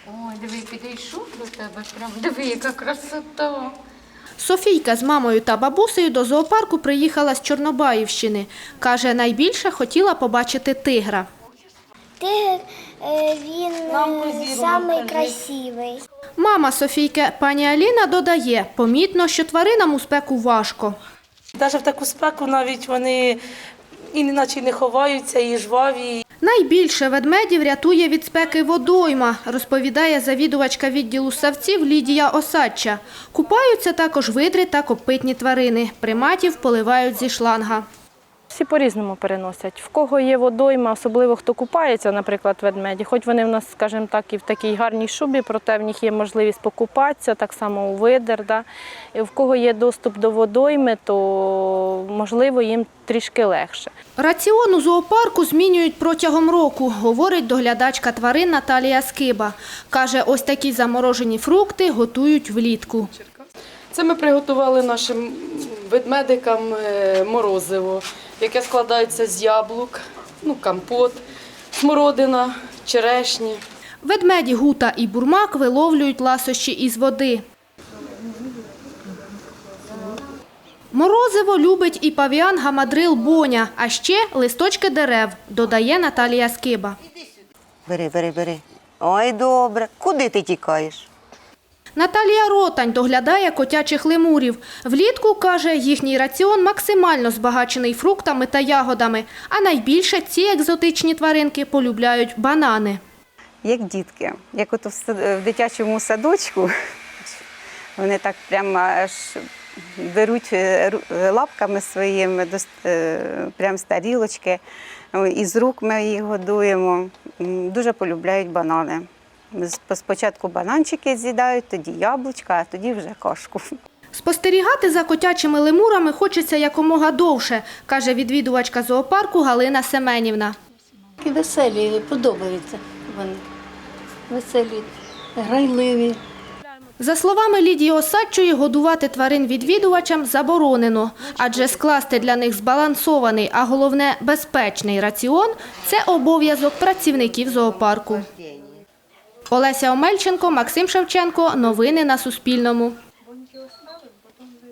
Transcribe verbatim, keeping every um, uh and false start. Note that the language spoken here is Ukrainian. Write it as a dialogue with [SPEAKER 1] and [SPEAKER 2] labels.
[SPEAKER 1] Ой, диви, підійшов до тебе, прям диви, яка красота.
[SPEAKER 2] Софійка з мамою та бабусею до зоопарку приїхала з Чорнобаївщини. Каже, найбільше хотіла побачити тигра.
[SPEAKER 3] Тигр, е, він е, самий красивий.
[SPEAKER 2] Мама Софійки, пані Аліна, додає, помітно, що тваринам у спеку важко.
[SPEAKER 4] Навіть в таку спеку навіть вони і наче не ховаються, і жваві.
[SPEAKER 2] Найбільше ведмедів рятує від спеки водойма, розповідає завідувачка відділу ссавців Лідія Осадча. Купаються також видри та копитні тварини. Приматів поливають зі шланга.
[SPEAKER 5] Всі по-різному переносять. В кого є водойма, особливо хто купається, наприклад, ведмеді, хоч вони в нас, скажімо так, і в такій гарній шубі, проте в них є можливість покупатися, так само у видер. Да? І в кого є доступ до водойми, то, можливо, їм трішки легше.
[SPEAKER 2] Раціон у зоопарку змінюють протягом року, говорить доглядачка тварин Наталія Скиба. Каже, ось такі заморожені фрукти готують влітку.
[SPEAKER 6] Це ми приготували нашим ведмедикам морозиво, яке складається з яблук, ну, компот, смородина, черешні.
[SPEAKER 2] Ведмеді Гута і Бурмак виловлюють ласощі із води. Морозиво любить і павіан гамадрил Боня, а ще листочки дерев, додає Наталія Скиба.
[SPEAKER 7] Бери, бери, бери. Ой, добре. Куди ти тікаєш?
[SPEAKER 2] Наталія Ротань доглядає котячих лемурів. Влітку, каже, їхній раціон максимально збагачений фруктами та ягодами, а найбільше ці екзотичні тваринки полюбляють банани.
[SPEAKER 8] Як дітки, як от в дитячому садочку, вони так прямо аж беруть лапками своїми прямо з тарілочки, із рук ми їх годуємо, дуже полюбляють банани. Спочатку бананчики з'їдають, тоді яблучка, а тоді вже кашку.
[SPEAKER 2] Спостерігати за котячими лемурами хочеться якомога довше, каже відвідувачка зоопарку Галина Семенівна.
[SPEAKER 9] І веселі, подобаються вони. Веселі, грайливі.
[SPEAKER 2] За словами Лідії Осадчої, годувати тварин відвідувачам заборонено, адже скласти для них збалансований, а головне – безпечний раціон – це обов'язок працівників зоопарку. Олеся Омельченко, Максим Шевченко. Новини на Суспільному.